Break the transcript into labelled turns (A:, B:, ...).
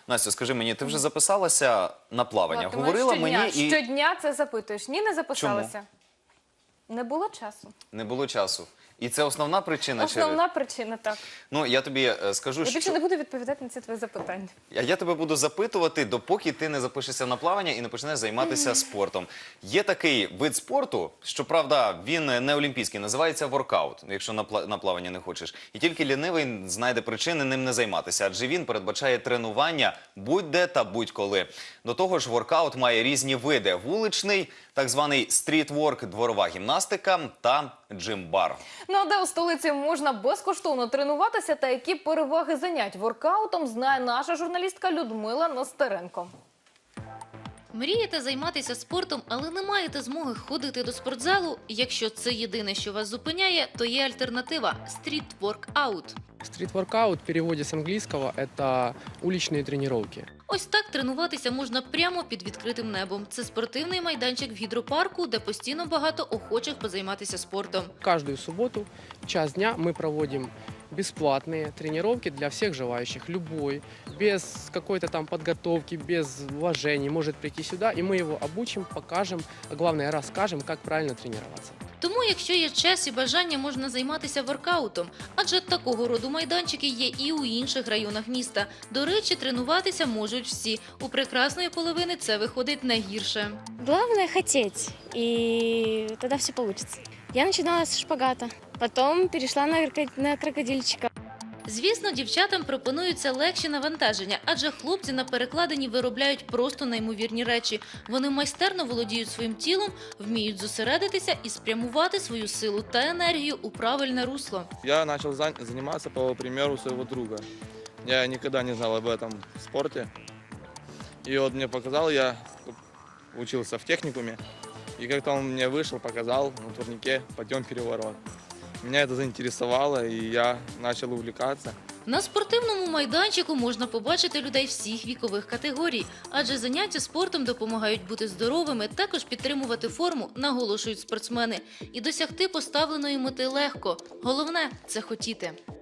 A: Настя, скажи мені, ти вже записалася на плавання?
B: Влад, ти
A: Говорила
B: щодня,
A: мені і
B: щодня це запитуєш. Ні, не записалася. Не було часу.
A: не було часу. І це основна причина?
B: Основна причина, так.
A: Ну, я тобі скажу,
B: Я більше
A: що...
B: не буду відповідати на ці твої запитання.
A: А я тебе буду запитувати, допоки ти не запишешся на плавання і не почнеш займатися спортом. Є такий вид спорту, щоправда, він не олімпійський, називається воркаут, якщо на плавання не хочеш. І тільки лінивий знайде причини ним не займатися, адже він передбачає тренування будь-де та будь-коли. До того ж, воркаут має різні види – вуличний, так званий стрітворк, дворова гімнастика та джим-бар.
B: Ну а де у столиці можна безкоштовно тренуватися та які переваги занять воркаутом, знає наша журналістка Людмила Нестеренко.
C: Мрієте займатися спортом, але не маєте змоги ходити до спортзалу? Якщо це єдине, що вас зупиняє, то є альтернатива – стріт-воркаут.
D: Стрит-воркаут в переводе с английского – это уличные тренировки.
C: Ось так тренуватися можна прямо під відкритим небом. Це спортивний майданчик в гідропарку, де постійно багато охочих позайматися спортом.
D: Каждую субботу в час дня мы проводим бесплатные тренировки для всех желающих. Любой, без какой-то там подготовки, без вложений может прийти сюда, и мы его обучим, покажем, а главное расскажем, как правильно тренироваться.
C: Тому, якщо є час і бажання, можна займатися воркаутом. Адже такого роду майданчики є і у інших районах міста. До речі, тренуватися можуть всі. У прекрасної половини це виходить найгірше.
E: Главное хотеть, и тогда все получится. Я начинала с шпагата, потом перешла на крокодильчика.
C: Звісно, дівчатам пропонуються легші навантаження, адже хлопці на перекладині виробляють просто неймовірні речі. Вони майстерно володіють своїм тілом, вміють зосередитися і спрямувати свою силу та енергію у правильне русло.
F: Я начал заниматься по примеру своего друга. Я никогда не знал об этом спорте. И вот мне показал, я учился в техникуме. И как-то он мне вышел, показал на турнике подъем переворот. Меня это заинтересовало, и я начал увлекаться.
C: На спортивному майданчику можна побачити людей всіх вікових категорій, адже заняття спортом допомагають бути здоровими, також підтримувати форму, наголошують спортсмени. І досягти поставленої мети легко. Головне – це хотіти.